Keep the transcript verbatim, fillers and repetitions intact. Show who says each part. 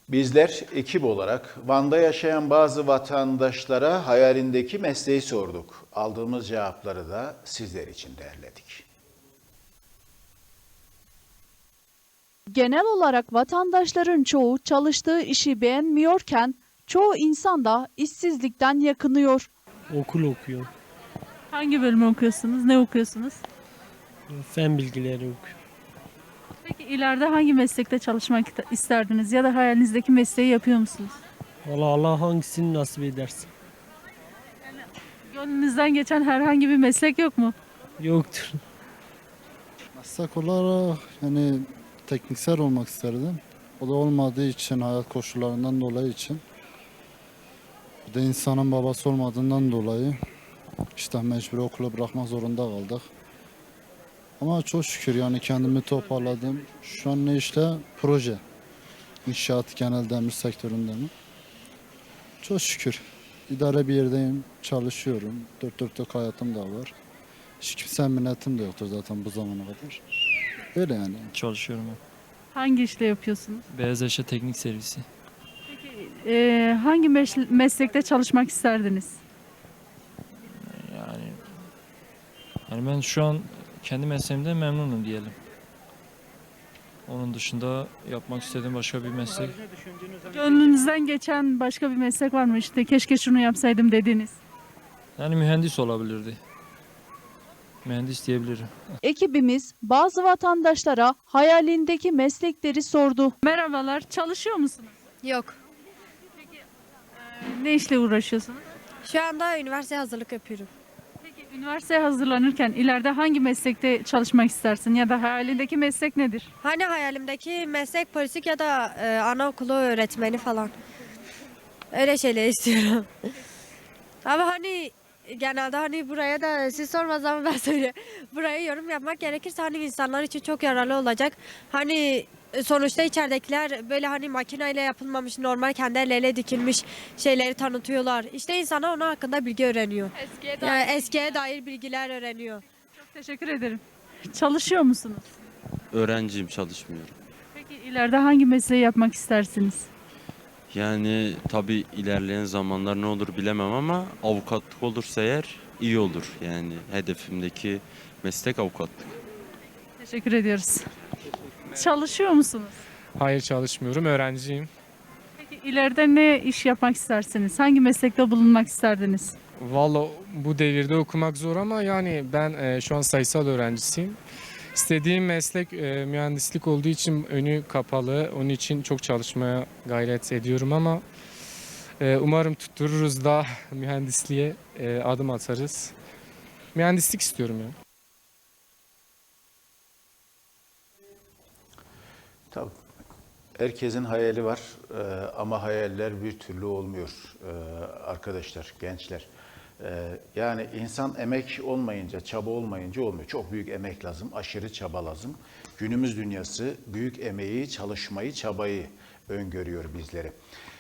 Speaker 1: Bizler ekip olarak Van'da yaşayan bazı vatandaşlara hayalindeki mesleği sorduk. Aldığımız cevapları da sizler için derledik.
Speaker 2: Genel olarak vatandaşların çoğu çalıştığı işi beğenmiyorken çoğu insan da işsizlikten yakınıyor.
Speaker 3: Okul okuyor.
Speaker 2: Hangi bölümü okuyorsunuz? Ne okuyorsunuz?
Speaker 3: Fen bilgileri okuyor.
Speaker 2: Peki ileride hangi meslekte çalışmak isterdiniz ya da hayalinizdeki mesleği yapıyor musunuz?
Speaker 3: Valla Allah hangisini nasip ederse.
Speaker 2: Gönlünüzden geçen herhangi bir meslek yok mu?
Speaker 3: Yoktur.
Speaker 4: Meslek olarak yani tekniksel olmak isterdim. O da olmadığı için, hayat koşullarından dolayı için. Bir de insanın babası olmadığından dolayı işte mecbur okulu bırakmak zorunda kaldık. Ama çok şükür yani kendimi toparladım. Şu an ne işte? Proje. İnşaat genel demir sektöründe mi? Çok şükür. İdare bir yerdeyim, çalışıyorum. Dört dörtlük hayatım da var. Hiç kimsenin minnetim de yoktur zaten bu zamana kadar. Öyle yani.
Speaker 5: Çalışıyorum ben.
Speaker 2: Hangi işte yapıyorsunuz?
Speaker 5: Beyaz Eşya Teknik Servisi.
Speaker 2: Ee, hangi meş- meslekte çalışmak isterdiniz?
Speaker 5: Yani yani ben şu an kendi mesleğimden memnunum diyelim. Onun dışında yapmak istediğim başka bir meslek.
Speaker 2: Gönlünüzden geçen başka bir meslek var mı? İşte keşke şunu yapsaydım dediğiniz.
Speaker 5: Yani mühendis olabilirdi. Mühendis diyebilirim.
Speaker 2: Ekibimiz bazı vatandaşlara hayalindeki meslekleri sordu. Merhabalar, çalışıyor musunuz?
Speaker 6: Yok.
Speaker 2: Ne işle uğraşıyorsunuz?
Speaker 6: Şu anda üniversite hazırlık yapıyorum.
Speaker 2: Peki üniversiteye hazırlanırken ileride hangi meslekte çalışmak istersin ya da hayalindeki meslek nedir?
Speaker 6: Hani hayalimdeki meslek polislik ya da e, anaokulu öğretmeni falan. Öyle şeyler istiyorum. Ama hani genelde hani buraya da siz sormaz ama ben söyle. Buraya yorum yapmak gerekirse hani insanlar için çok yararlı olacak. Hani sonuçta içeridekiler böyle hani makineyle yapılmamış normal kendi elleriyle dikilmiş şeyleri tanıtıyorlar. İşte insanlar onun hakkında bilgi öğreniyor.
Speaker 2: Eskiye
Speaker 6: Yani eskiye dair bilgiler öğreniyor.
Speaker 2: Çok teşekkür ederim. Çalışıyor musunuz?
Speaker 7: Öğrenciyim, çalışmıyorum.
Speaker 2: Peki ileride hangi mesleği yapmak istersiniz?
Speaker 7: Yani tabii ilerleyen zamanlar ne olur bilemem ama avukatlık olursa eğer iyi olur. Yani hedefimdeki meslek avukatlık.
Speaker 2: Teşekkür ediyoruz. Çalışıyor musunuz?
Speaker 8: Hayır, çalışmıyorum. Öğrenciyim.
Speaker 2: Peki ileride ne iş yapmak istersiniz? Hangi meslekte bulunmak isterdiniz?
Speaker 8: Valla bu devirde okumak zor ama yani ben e, şu an sayısal öğrencisiyim. İstediğim meslek e, mühendislik olduğu için önü kapalı. Onun için çok çalışmaya gayret ediyorum ama e, umarım tuttururuz da mühendisliğe e, adım atarız. Mühendislik istiyorum yani.
Speaker 1: Tabii. Herkesin hayali var e, ama hayaller bir türlü olmuyor e, arkadaşlar, gençler. E, yani insan emek olmayınca, çaba olmayınca olmuyor. Çok büyük emek lazım, aşırı çaba lazım. Günümüz dünyası büyük emeği, çalışmayı, çabayı öngörüyor bizlere.